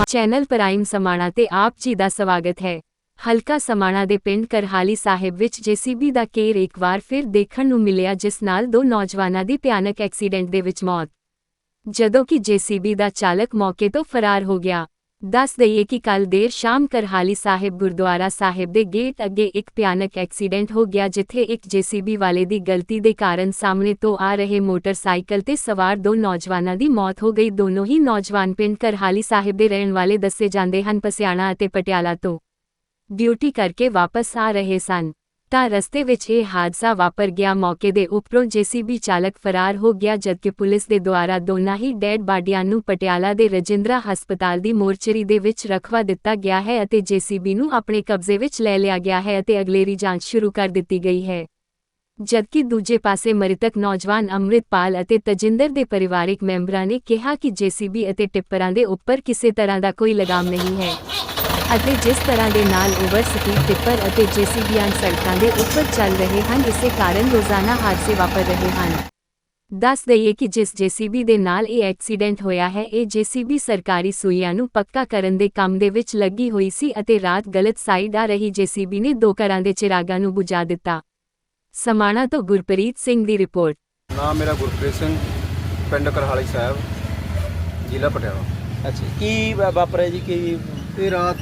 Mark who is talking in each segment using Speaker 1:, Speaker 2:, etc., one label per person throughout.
Speaker 1: Channel prime Samana ਤੇ ਆਪ ਜੀ ਦਾ ਸਵਾਗਤ ਹੈ। ਹਲਕਾ ਸਮਾਣਾ ਦੇ ਪਿੰਡ ਕਰਹਾਲੀ ਸਾਹਿਬ ਵਿੱਚ ਜੇਸੀਬੀ ਦਾ ਕੇਰ ਇੱਕ ਵਾਰ ਫਿਰ ਦੇਖਣ ਨੂੰ ਮਿਲਿਆ, ਜਿਸ ਨਾਲ ਦੋ ਨੌਜਵਾਨਾਂ ਦੀ ਭਿਆਨਕ ਐਕਸੀਡੈਂਟ ਦੇ ਵਿੱਚ ਮੌਤ, ਜਦੋਂ ਕਿ ਜੇਸੀਬੀ ਦਾ ਚਾਲਕ ਮੌਕੇ ਤੋਂ ਫਰਾਰ ਹੋ ਗਿਆ। ਦੱਸ ਦਈਏ ਕਿ ਕੱਲ੍ਹ ਦੇਰ ਸ਼ਾਮ ਕਰਹਾਲੀ ਸਾਹਿਬ ਗੁਰਦੁਆਰਾ ਸਾਹਿਬ ਦੇ ਗੇਟ ਅੱਗੇ ਇੱਕ ਭਿਆਨਕ ਐਕਸੀਡੈਂਟ ਹੋ ਗਿਆ, ਜਿੱਥੇ ਇੱਕ ਜੇਸੀਬੀ ਵਾਲੇ ਦੀ ਗਲਤੀ ਦੇ ਕਾਰਨ ਸਾਹਮਣੇ ਤੋਂ ਆ ਰਹੇ ਮੋਟਰਸਾਈਕਲ ਤੇ ਸਵਾਰ ਦੋ ਨੌਜਵਾਨਾਂ ਦੀ ਮੌਤ ਹੋ ਗਈ। ਦੋਨੋਂ ਹੀ ਨੌਜਵਾਨ ਪਿੰਡ ਕਰਹਾਲੀ ਸਾਹਿਬ ਦੇ ਰਹਿਣ ਵਾਲੇ ਦੱਸੇ ਜਾਂਦੇ ਹਨ। ਪਸਿਆਣਾ ਅਤੇ ਪਟਿਆਲਾ ਤੋਂ ਡਿਊਟੀ ਕਰਕੇ ਵਾਪਸ ਆ ਰਹੇ ਸਨ ਤਾਂ ਰਸਤੇ ਵਿੱਚ ਇਹ ਹਾਦਸਾ ਵਾਪਰ ਗਿਆ। ਮੌਕੇ ਦੇ ਉੱਪਰੋਂ ਜੇਸੀਬੀ ਚਾਲਕ ਫਰਾਰ ਹੋ ਗਿਆ, ਜਦਕਿ ਪੁਲਿਸ ਦੇ ਦੁਆਰਾ ਦੋਨਾਂ ਹੀ ਡੈਡ ਬਾਡੀਆਂ ਨੂੰ ਪਟਿਆਲਾ ਦੇ ਰਜਿੰਦਰਾ ਹਸਪਤਾਲ ਦੀ ਮੋਰਚਰੀ ਦੇ ਵਿੱਚ ਰਖਵਾ ਦਿੱਤਾ ਗਿਆ ਹੈ ਅਤੇ ਜੇਸੀਬੀ ਨੂੰ ਆਪਣੇ ਕਬਜ਼ੇ ਵਿੱਚ ਲੈ ਲਿਆ ਗਿਆ ਹੈ ਅਤੇ ਅਗਲੇਰੀ ਜਾਂਚ ਸ਼ੁਰੂ ਕਰ ਦਿੱਤੀ ਗਈ ਹੈ। ਜਦਕਿ ਦੂਜੇ ਪਾਸੇ ਮ੍ਰਿਤਕ ਨੌਜਵਾਨ ਅੰਮ੍ਰਿਤਪਾਲ ਅਤੇ ਤਜਿੰਦਰ ਦੇ ਪਰਿਵਾਰਕ ਮੈਂਬਰਾਂ ਨੇ ਕਿਹਾ ਕਿ ਜੇਸੀਬੀ ਅਤੇ ਟਿੱਪਰਾਂ ਦੇ ਉੱਪਰ ਕਿਸੇ ਤਰ੍ਹਾਂ ਦਾ ਕੋਈ ਲਗਾਮ ਨਹੀਂ ਹੈ ਅਤੇ ਜਿਸ ਤਰ੍ਹਾਂ ਦੇ ਨਾਲ ਓਵਰ ਸਪੀਡ ਟਿੱਪਰ ਅਤੇ ਜੇਸੀਬੀਆਂ ਸੜਕਾਂ ਦੇ ਉੱਪਰ ਚੱਲ ਰਹੇ ਹਨ, ਇਸੇ ਕਾਰਨ ਰੋਜ਼ਾਨਾ ਹਾਦਸੇ ਵਾਪਰ ਰਹੇ ਹਨ। ਦੱਸ ਦਈਏ ਕਿ ਜਿਸ ਜੇਸੀਬੀ ਦੇ ਨਾਲ ਇਹ ਐਕਸੀਡੈਂਟ ਹੋਇਆ ਹੈ, ਇਹ ਜੇਸੀਬੀ ਸਰਕਾਰੀ ਸੂਈਆਂ ਨੂੰ ਪੱਕਾ ਕਰਨ ਦੇ ਕੰਮ ਦੇ ਵਿੱਚ ਲੱਗੀ ਹੋਈ ਸੀ ਅਤੇ ਰਾਤ ਗਲਤ ਸਾਈਡ ਆ ਰਹੀ ਜੇਸੀਬੀ ਨੇ ਦੋ ਘਰਾਂ ਦੇ ਚਿਰਾਗਾਂ ਨੂੰ ਬੁਝਾ ਦਿੱਤਾ। ਸਮਾਣਾ ਤੋਂ ਗੁਰਪ੍ਰੀਤ ਸਿੰਘ ਦੀ ਰਿਪੋਰਟ।
Speaker 2: ਨਾਮ ਮੇਰਾ ਗੁਰਪ੍ਰੀਤ ਸਿੰਘ, ਪਿੰਡ ਕਰਹਾਲੀ ਸਾਹਿਬ, ਜ਼ਿਲ੍ਹਾ ਪਟਿਆਲਾ।
Speaker 3: ਅੱਛਾ, ਕੀ ਵਾਪਰਿਆ ਜੀ? ਕੀ
Speaker 2: ਇਹ ਰਾਤ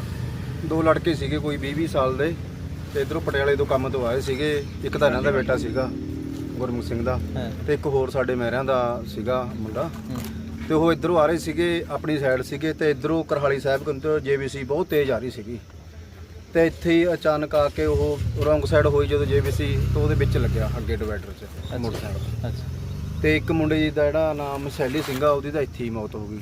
Speaker 2: ਦੋ ਲੜਕੇ ਸੀਗੇ, ਕੋਈ 20-20 ਸਾਲ ਦੇ, ਤੇ ਇਧਰੋਂ ਪਟਿਆਲੇ ਤੋਂ ਕੰਮ ਤੋਂ ਆਏ ਸੀਗੇ। ਇੱਕ ਤਾਂ ਇਹਨਾਂ ਦਾ ਬੇਟਾ ਸੀਗਾ ਗੁਰਮੁਖ ਸਿੰਘ ਦਾ, ਤੇ ਇੱਕ ਹੋਰ ਸਾਡੇ ਮਹਿਰਿਆਂ ਦਾ ਸੀਗਾ ਮੁੰਡਾ। ਤੇ ਉਹ ਇਧਰੋਂ ਆ ਰਹੇ ਸੀਗੇ, ਆਪਣੀ ਸਾਈਡ ਸੀਗੇ, ਤੇ ਇਧਰੋਂ ਕਰਹਾਲੀ ਸਾਹਿਬ ਤੋਂ ਜੇਬੀਸੀ ਬਹੁਤ ਤੇਜ਼ ਆ ਰਹੀ ਸੀਗੀ। ਤੇ ਇੱਥੇ ਹੀ ਅਚਾਨਕ ਆ ਕੇ ਉਹ ਰੌਂਗ ਸਾਈਡ ਹੋਈ ਜਦੋਂ ਜੇਬੀਸੀ, ਤੋਂ ਉਹਦੇ ਵਿੱਚ ਲੱਗਿਆ ਅੱਗੇ ਡਿਵਾਈਡਰ 'ਚ ਮੋਟਰਸਾਈਕਲ। ਤੇ ਇੱਕ ਮੁੰਡੇ ਜੀ ਦਾ ਜਿਹੜਾ ਨਾਮ ਸੈਲੀ ਸਿੰਘ ਆ, ਉਹਦੀ ਤਾਂ ਇੱਥੇ ਹੀ ਮੌਤ ਹੋ ਗਈ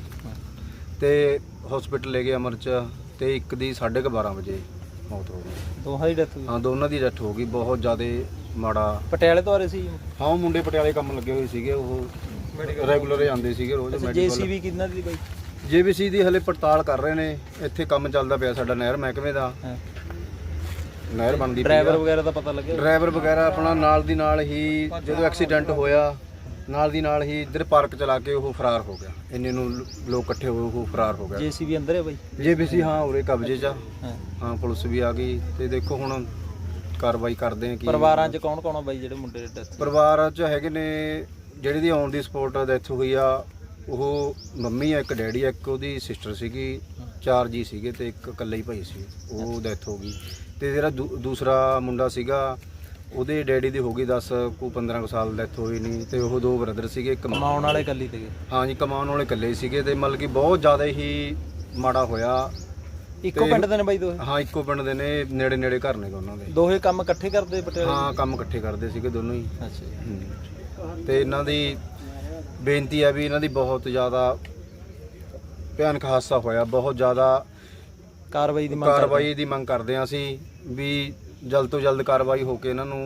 Speaker 2: ਤੇ ਹਸਪੀਟਲ ਲੈ ਗਏ ਅਮਰ 'ਚ, ਤੇ ਇੱਕ ਦੀ 12:30 ਵਜੇ ਮੌਤ ਹੋ ਗਈ।
Speaker 3: ਦੋਹਾਂ ਦੀ ਡੈਥ ਹੋਈ?
Speaker 2: ਹਾਂ, ਦੋਨਾਂ ਦੀ ਡੈਥ ਹੋ ਗਈ। ਬਹੁਤ ਜ਼ਿਆਦਾ ਮਾੜਾ।
Speaker 3: ਪਟਿਆਲੇ ਤੋਂ ਆ ਰਹੇ ਸੀ?
Speaker 2: ਹਾਂ, ਉਹ ਮੁੰਡੇ ਪਟਿਆਲੇ ਕੰਮ ਲੱਗੇ ਹੋਏ ਸੀਗੇ, ਉਹ ਰੈਗੂਲਰ ਹੀ ਆਉਂਦੇ ਸੀਗੇ ਰੋਜ਼ ਮੈਡੀਕਲ।
Speaker 3: ਜੇਸੀਬੀ ਕਿੰਨਾ ਦੀ ਬਾਈ?
Speaker 2: ਜੇਬੀਸੀ ਦੀ ਹਲੇ ਪੜਤਾਲ ਕਰ ਰਹੇ ਨੇ। ਇੱਥੇ ਕੰਮ ਚੱਲਦਾ ਪਿਆ ਸਾਡਾ ਨਹਿਰ ਮਹਿਕਮੇ ਦਾ, ਨਹਿਰ ਬਣਦੀ।
Speaker 3: ਡਰਾਈਵਰ ਵਗੈਰਾ ਦਾ ਪਤਾ ਲੱਗਿਆ?
Speaker 2: ਡਰਾਈਵਰ ਵਗੈਰਾ ਆਪਣਾ ਨਾਲ ਦੀ ਨਾਲ ਹੀ ਜਦੋਂ ਐਕਸੀਡੈਂਟ ਹੋਇਆ, ਨਾਲ ਦੀ ਨਾਲ ਹੀ ਇੱਧਰ ਪਾਰਕ ਚਲਾ ਕੇ ਉਹ ਫਰਾਰ ਹੋ ਗਿਆ। ਇੰਨੇ ਨੂੰ ਲੋਕ ਇਕੱਠੇ ਹੋਏ, ਉਹ ਫਰਾਰ ਹੋ ਗਿਆ।
Speaker 3: ਜੇਸੀਬੀ ਅੰਦਰ ਹੈ ਬਾਈ?
Speaker 2: ਜੇਬੀਸੀ ਹਾਂ ਉਰੇ ਕਬਜ਼ੇ 'ਚ ਆ। ਹਾਂ, ਪੁਲਿਸ ਵੀ ਆ ਗਈ ਤੇ ਦੇਖੋ ਹੁਣ ਕਾਰਵਾਈ ਕਰਦੇ ਆ। ਕੀ
Speaker 3: ਪਰਿਵਾਰਾਂ 'ਚ ਕੌਣ ਕੌਣ ਆ ਬਾਈ ਜਿਹੜੇ ਮੁੰਡੇ ਦੇ ਡੈਥ?
Speaker 2: ਪਰਿਵਾਰ 'ਚ ਹੈਗੇ ਨੇ, ਜਿਹੜੀ ਦੀ ਔਨ ਦੀ ਸਪੋਟ ਡੈਥ ਹੋਈ ਆ, ਉਹ ਮੰਮੀ ਆ, ਇੱਕ ਡੈਡੀ ਆ, ਇੱਕ ਉਹਦੀ ਸਿਸਟਰ ਸੀਗੀ, 4 ਜੀ ਸੀਗੇ ਤੇ ਇੱਕ ਇਕੱਲਾ ਹੀ ਭਾਈ ਸੀ, ਉਹ ਡੈਥ ਹੋ ਗਈ। ਤੇ ਜਿਹੜਾ ਦੂਸਰਾ ਮੁੰਡਾ ਸੀਗਾ, ਉਹਦੇ ਡੈਡੀ ਦੀ ਹੋ ਗਈ 10-15 ਸਾਲ ਡੈਥ ਹੋਈ ਨਹੀਂ। ਤੇ ਉਹ 2 ਬ੍ਰਦਰ ਸੀਗੇ।
Speaker 3: ਕਮਾਉਣ ਵਾਲੇ ਇਕੱਲੇ ਸੀਗੇ?
Speaker 2: ਹਾਂ ਜੀ, ਕਮਾਉਣ ਵਾਲੇ ਇਕੱਲੇ ਸੀਗੇ। ਤੇ ਮਤਲਬ ਕਿ ਬਹੁਤ ਜ਼ਿਆਦਾ ਹੀ ਮਾੜਾ ਹੋਇਆ।
Speaker 3: ਇੱਕੋ ਪਿੰਡ ਦੇ ਨੇ ਬਾਈ ਦੋਹੇ?
Speaker 2: ਹਾਂ, ਇੱਕੋ ਪਿੰਡ ਦੇ ਨੇ, ਨੇੜੇ ਨੇੜੇ ਘਰ ਨੇ ਦੋਨਾਂ ਦੇ।
Speaker 3: ਦੋਹੇ ਕੰਮ ਇਕੱਠੇ ਕਰਦੇ ਪਟਿਆਲੇ?
Speaker 2: ਹਾਂ, ਕੰਮ ਇਕੱਠੇ ਕਰਦੇ ਸੀਗੇ ਦੋਨੋਂ ਹੀ।
Speaker 3: ਅੱਛਾ।
Speaker 2: ਤੇ ਇਹਨਾਂ ਦੀ ਬੇਨਤੀ ਆ ਵੀ ਇਹਨਾਂ ਦੀ ਬਹੁਤ ਜ਼ਿਆਦਾ ਭਿਆਨਕ ਹਾਦਸਾ ਹੋਇਆ, ਬਹੁਤ ਜ਼ਿਆਦਾ ਕਾਰਵਾਈ ਦੀ ਮੰਗ ਕਰਦੇ ਹਾਂ ਅਸੀਂ ਵੀ ਜਲਦ ਤੋਂ ਜਲਦ ਕਾਰਵਾਈ ਹੋ ਕੇ ਇਹਨਾਂ ਨੂੰ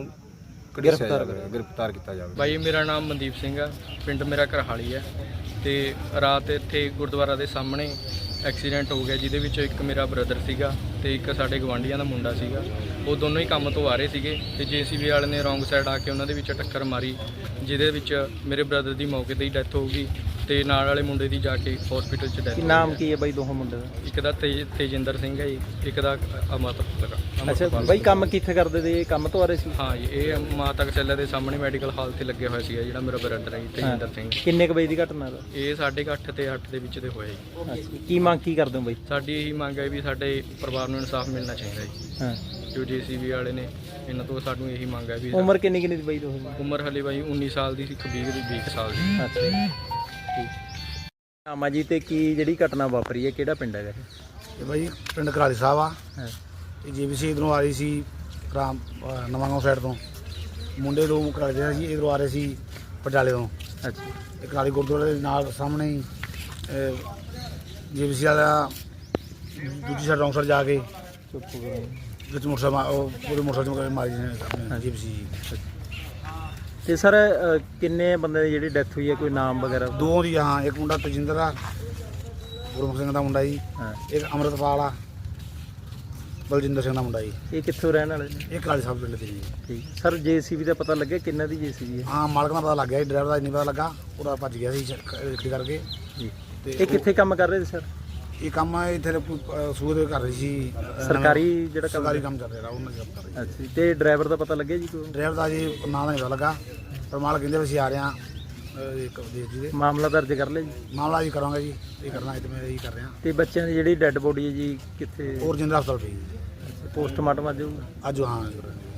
Speaker 2: ਗ੍ਰਿਫਤਾਰ ਕੀਤਾ ਜਾਵੇ।
Speaker 4: ਬਾਈ ਮੇਰਾ ਨਾਮ ਮਨਦੀਪ ਸਿੰਘ ਆ, ਪਿੰਡ ਮੇਰਾ ਕਰਹਾਲੀ ਹੈ। ਤੇ ਰਾਤ ਇੱਥੇ ਗੁਰਦੁਆਰਾ ਦੇ ਸਾਹਮਣੇ ਐਕਸੀਡੈਂਟ ਹੋ ਗਿਆ, ਜਿਹਦੇ ਵਿੱਚ ਇੱਕ ਮੇਰਾ ਬ੍ਰਦਰ ਸੀਗਾ ਤੇ ਇੱਕ ਸਾਡੇ ਗਵਾਂਢੀਆਂ ਦਾ ਮੁੰਡਾ ਸੀਗਾ। ਉਹ ਦੋਨੋਂ ਹੀ ਕੰਮ ਤੋਂ ਆ ਰਹੇ ਸੀਗੇ ਤੇ ਜੇਸੀਬੀ ਵਾਲੇ ਨੇ ਰੌਂਗ ਸਾਈਡ ਆ ਕੇ ਉਹਨਾਂ ਦੇ ਵਿੱਚ ਟੱਕਰ ਮਾਰੀ, ਜਿਹਦੇ ਵਿੱਚ ਮੇਰੇ ਬ੍ਰਦਰ ਦੀ ਮੌਕੇ ਤੇ ਹੀ ਡੈਥ ਹੋ ਗਈ ਤੇ ਨਾਲ ਵਾਲੇ ਮੁੰਡੇ ਦੀ ਜਾ ਕੇ ਹਸਪੀਟਲ 'ਚ ਡੈਥ।
Speaker 3: ਨਾਮ ਕੀ ਹੈ ਬਾਈ ਦੋਹਾਂ ਮੁੰਡੇ ਦਾ? ਇੱਕ
Speaker 4: ਦਾ ਤੇਜਿੰਦਰ ਸਿੰਘ ਹੈ ਜੀ, ਇੱਕ ਦਾ ਅਮਰਤਪਾਲ।
Speaker 3: ਅੱਛਾ ਬਾਈ, ਕੰਮ ਕਿੱਥੇ ਕਰਦੇ ਤੇ? ਕੰਮ ਤੋਂ ਆ ਰਹੇ ਸੀ?
Speaker 4: ਹਾਂ ਜੀ, ਇਹ ਮਾਤਾ ਕਚੱਲੇ ਦੇ ਸਾਹਮਣੇ ਮੈਡੀਕਲ ਹਾਲ ਤੇ ਲੱਗਿਆ ਹੋਇਆ ਸੀਗਾ, ਜਿਹੜਾ ਮੇਰਾ ਬ੍ਰਦਰ ਹੈ ਤੇਜਿੰਦਰ ਸਿੰਘ।
Speaker 3: ਕਿੰਨੇ ਕੁ ਵਜੇ ਦੀ ਘਟਨਾ ਦਾ?
Speaker 4: ਇਹ 8:30 ਤੇ 8 ਦੇ ਵਿੱਚ ਦੇ ਹੋਇਆ ਜੀ।
Speaker 3: ਕੀ ਮੰਗ ਕੀ ਕਰਦੇ ਹੋ ਬਾਈ?
Speaker 4: ਸਾਡੀ ਇਹੀ ਮੰਗ ਹੈ ਵੀ ਸਾਡੇ ਪਰਿਵਾਰ ਨੂੰ ਇਨਸਾਫ ਮਿਲਣਾ ਚਾਹੀਦਾ ਜੀ। ਜੋ ਜੇਸੀਬੀ ਵਾਲੇ ਨੇ, ਇਹਨਾਂ ਤੋਂ ਸਾਨੂੰ ਇਹੀ ਮੰਗ ਹੈ ਵੀ।
Speaker 3: ਉਮਰ ਕਿੰਨੀ ਦੀ ਬਾਈ ਦੋਹੇ?
Speaker 4: ਉਮਰ ਹਲੇ ਬਾਈ 19 ਸਾਲ ਦੀ ਸੀ, ਇੱਕ 20 ਸਾਲ ਦੀ।
Speaker 3: ਅੱਛਾ, ਠੀਕ। ਆਮਾ ਜੀ, ਤੇ ਕੀ ਜਿਹੜੀ ਘਟਨਾ ਵਾਪਰੀ ਹੈ, ਕਿਹੜਾ ਪਿੰਡ ਹੈਗਾ
Speaker 5: ਇਹ ਬਾਈ? ਪਿੰਡ ਕਰਹਾਲੀ ਸਾਹਿਬ ਆ। ਇਹ ਜੇਬੀਸੀ ਇਧਰੋਂ ਆ ਰਹੀ ਸੀ ਰਾਮ ਨਵਾਂਗਾঁव ਸਾਈਡ ਤੋਂ। ਮੁੰਡੇ ਦੋ ਕਰਹਾਲੀ ਸੀ, ਇਧਰੋਂ ਆ ਰਹੇ ਸੀ ਪਟਿਆਲੇ ਤੋਂ।
Speaker 3: ਅੱਛਾ।
Speaker 5: ਇਹ ਕਰਹਾਲੀ ਗੁਰਦੁਆਰੇ ਦੇ ਨਾਲ ਸਾਹਮਣੇ ਹੀ ਜੇਬੀਸੀ ਵਾਲਾ ਦੂਜੀ ਸਾਈਡ ਰੌਂਗ ਸਾਈਡ ਜਾ ਕੇ ਵਿੱਚ ਮੋਟਰਸਾਈਕਲ ਪੂਰੇ ਮੋਟਰਸਾਈਕਲ ਮਾਰੀ ਨੇ ਜੇਬੀਸੀ।
Speaker 3: ਤੇ ਸਰ ਕਿੰਨੇ ਬੰਦੇ ਦੀ ਜਿਹੜੀ ਡੈਥ ਹੋਈ ਹੈ, ਕੋਈ ਨਾਮ ਵਗੈਰਾ?
Speaker 5: 2 ਦੀ। ਹਾਂ, ਇੱਕ ਮੁੰਡਾ ਤਜਿੰਦਰ ਆ, ਗੁਰਮੁਖ ਸਿੰਘ ਦਾ ਮੁੰਡਾ ਜੀ। ਇੱਕ ਅੰਮ੍ਰਿਤਪਾਲ ਆ, ਬਲਜਿੰਦਰ ਸਿੰਘ ਦਾ ਮੁੰਡਾ ਜੀ। ਇਹ
Speaker 3: ਕਿੱਥੋਂ ਰਹਿਣ ਵਾਲੇ ਨੇ?
Speaker 5: ਇਹ ਕਰਹਾਲੀ ਸਾਹਿਬ ਪਿੰਡ ਦੇ ਜੀ।
Speaker 3: ਠੀਕ ਸਰ, ਜੇਸੀਬੀ ਦਾ ਪਤਾ ਲੱਗਿਆ ਕਿੰਨਾ ਦੀ ਜੇਸੀਬੀ ਹੈ?
Speaker 5: ਹਾਂ, ਮਾਲਕ ਦਾ ਪਤਾ ਲੱਗ ਗਿਆ ਜੀ, ਡਰਾਈਵਰ ਦਾ ਨਹੀਂ ਪਤਾ ਲੱਗਾ, ਉਹਦਾ ਭੱਜ ਗਿਆ ਸੀ ਗੱਡੀ ਕਰਕੇ ਜੀ।
Speaker 3: ਇਹ ਕਿੱਥੇ ਕੰਮ ਕਰ ਰਹੇ ਸੀ ਸਰ?
Speaker 5: ਇਹ ਕੰਮ ਇੱਥੇ ਸੂਰ ਕਰ ਰਹੀ ਸੀ
Speaker 3: ਸਰਕਾਰੀ ਜਿਹੜਾ ਕੰਮ
Speaker 5: ਸਰਕਾਰੀ ਕੰਮ ਚੱਲ ਰਿਹਾ ਉਹਨਾਂ ਦਾ ਕਰ ਰਹੀ
Speaker 3: ਅੱਛਾ ਜੀ। ਤੇ ਡਰਾਈਵਰ ਦਾ ਪਤਾ ਲੱਗਿਆ ਜੀ ਕੋਈ
Speaker 5: ਡਰਾਈਵਰ ਦਾ ਜੀ ਨਾਂ ਦਾ ਨਹੀਂ ਪਤਾ ਲੱਗਾ ਪਰ ਮਾਲਕ ਕਹਿੰਦੇ ਵੀ ਅਸੀਂ ਆ ਰਹੇ ਹਾਂ ਇੱਕ ਦੇਸ਼ ਜੀ ਦੇ
Speaker 3: ਮਾਮਲਾ ਦਰਜ ਕਰ ਲਿਆ ਜੀ?
Speaker 5: ਮਾਮਲਾ ਜੀ ਕਰਾਂਗੇ ਜੀ ਇਹ ਕਰਨਾ ਇਹ ਮੈਂ ਇਹੀ ਕਰ ਰਿਹਾ
Speaker 3: ਤੇ ਬੱਚਿਆਂ ਦੀ ਜਿਹੜੀ ਡੈੱਡ ਬੋਡੀ ਹੈ ਜੀ ਕਿੱਥੇ
Speaker 5: ਹੋਰ ਜਿੰਦਰਾ ਹਸਪਤਾਲ ਪਈ ਜੀ
Speaker 3: ਪੋਸਟਮਾਰਟਮ ਅੱਜ ਹੋਊ?
Speaker 5: ਅੱਜ ਹਾਂ